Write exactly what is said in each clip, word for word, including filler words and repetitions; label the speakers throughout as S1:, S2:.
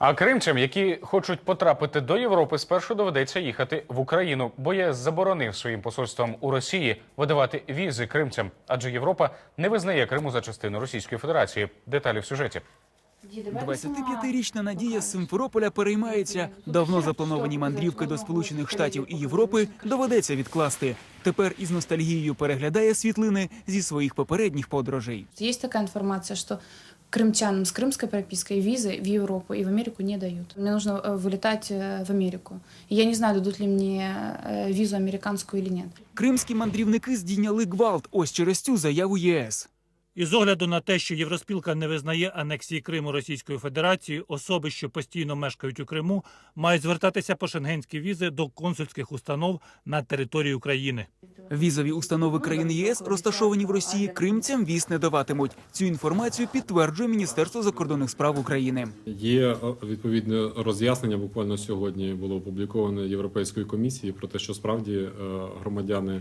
S1: А кримцям, які хочуть потрапити до Європи, спершу доведеться їхати в Україну, бо ЄС заборонив своїм посольствам у Росії видавати візи кримцям, адже Європа не визнає Криму за частину Російської Федерації. Деталі в сюжеті.
S2: двадцятип'ятирічна Надія з Симферополя переймається. Давно заплановані мандрівки до Сполучених Штатів і Європи доведеться відкласти. Тепер із ностальгією переглядає світлини зі своїх попередніх подорожей.
S3: Есть такая информация, что крымчанам с крымской пропиской визы в Европу и в Америку не дают. Мне нужно э, вылетать э, в Америку. И я не знаю, дадут ли мне э, визу американскую или нет.
S2: Кримські мандрівники здійняли гвалт ось через цю заяву ЄС.
S4: І з огляду на те, що Євроспілка не визнає анексії Криму Російською Федерацією, особи, що постійно мешкають у Криму, мають звертатися по шенгенські візи до консульських установ на території України.
S2: Візові установи країн ЄС, розташовані в Росії, кримцям віз не даватимуть. Цю інформацію підтверджує Міністерство закордонних справ України.
S5: Є відповідне роз'яснення, буквально сьогодні було опубліковане Європейською комісією про те, що справді громадяни,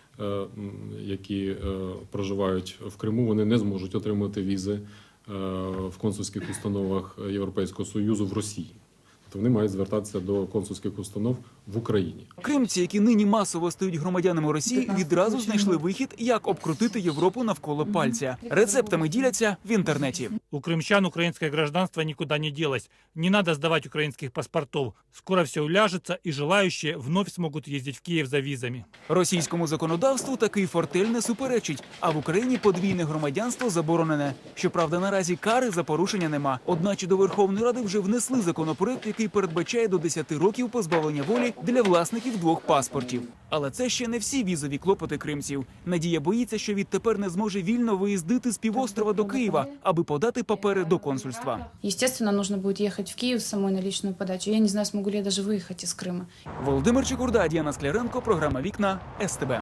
S5: які проживають в Криму, вони не зможуть отримати візи в консульських установах Європейського Союзу в Росії. Тобто вони мають звертатися до консульських установ в Україні.
S2: Кримці, які нині масово стають громадянами Росії, відразу знайшли вихід, як обкрутити Європу навколо пальця. Рецептами діляться в інтернеті.
S4: У крымчан украинское гражданство никуда не делось. Не надо сдавать украинских паспортов. Скоро все уляжется, и желающие вновь смогут ездить в Киев за визами.
S2: Російському законодавству такий фортель не суперечить, а в Україні подвійне громадянство заборонене. Щоправда, наразі кари за порушення нема. Одначе до Верховної Ради вже внесли законопроект, який передбачає до десяти років позбавлення волі для власників двох паспортів. Але це ще не всі візові клопоти кримців. Надія боїться, що відтепер не зможе вільно виїздити з півострова до Києва, аби подати папери до консульства.
S3: Естественно, нужно будет ехать в Киев с самой на личную подачу. Я не знаю, смогу ли я даже выехать из Крыма.
S2: Володимир Чекурда, Діана Скляренко, програма «Вікна», ес те бе.